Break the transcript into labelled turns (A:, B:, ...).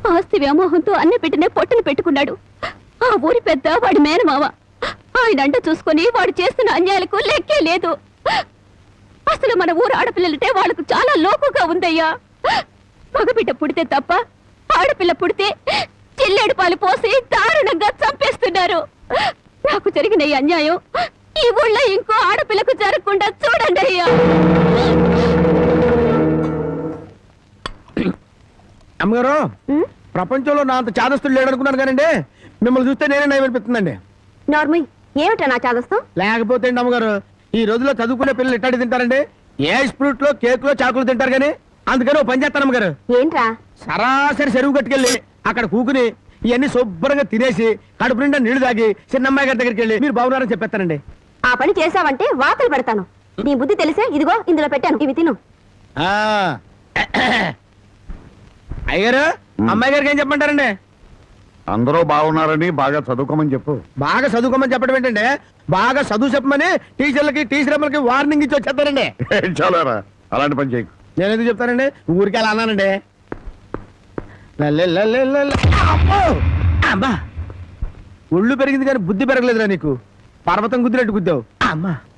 A: ఆస్తి వ్యామోహంతో అన్ని పెట్టినే పొట్టను పెట్టుకున్నాడు. ఆ ఊరి పెద్ద వాడి మేనమావ. ఆయన అంట చూసుకొని వాడు చేస్తున్న అన్యాయాలకు లెక్కే లేదు. అసలు మన ఊరు ఆడపిల్లలంటే వాళ్ళకు చాలా లోకుగా ఉందయ్యా. మగబిడ్డ పుడితే తప్ప ఆడపిల్ల పుడితే చిల్లేడు పాలు పోసి దారుణంగా చంపేస్తున్నారు. నాకు జరిగిన ఈ అన్యాయం ఈ ఊళ్ళో ఇంకో ఆడపిల్లకు జరగకుండా చూడండి అయ్యా.
B: అమ్మగారు, ప్రపంచంలో నా అంత చాదస్తులు లేడనుకున్నాను కానండి మిమ్మల్ని చూస్తే నేనే నయం అనిపిస్తుందండి.
A: నార్మల్ ఏమిటా నా చాదస్తం?
B: లేకపోతే అండి అమ్మగారు, ఈ రోజుల్లో చదువుకునే పిల్లలు ఇట్టాడి తింటారండి. ఏ స్ప్రూట్ లో కేక్ లో చాకులు తింటారు కానీ. అందుకని ఓ పని చేస్తాను అమ్మగారు.
A: ఏంట్రా?
B: సరాసరి చెరువు కట్టుకెళ్ళి అక్కడ కూకుని ఇవన్నీ శుభ్రంగా తినేసి కడుపు నిండా నీళ్లు తాగి చిన్నమ్మాయి గారి దగ్గరికి వెళ్ళి మీరు బాగున్నారని చెప్పేస్తానండి.
A: ఆ పని చేసావంటే వాతలు పెడతాను. నీ బుద్ధి తెలిసే ఇదిగో ఇందులో పెట్టాను, ఇవి తిను.
B: అయ్యారు, అమ్మాయి గారికి ఏం చెప్పమంటారండి?
C: అందరూ బాగున్నారని బాగా చదువుకోమని చెప్పు.
B: బాగా చదువుకోమని చెప్పడం ఏంటండి? బాగా చదువు చెప్పమని టీచర్లకి టీచర్లకి వార్నింగ్ ఇచ్చి వచ్చేస్తారండి.
C: చాలారా, అలాంటి పని చేయకు.
B: నేను ఎందుకు చెప్తానండి? ఊరికి అలా అన్నానండి. అమ్మా, ఒళ్ళు పెరిగింది కానీ బుద్ధి పెరగలేదురా నీకు. పర్వతం గుద్దినట్టు గుద్దావు. అమ్మా.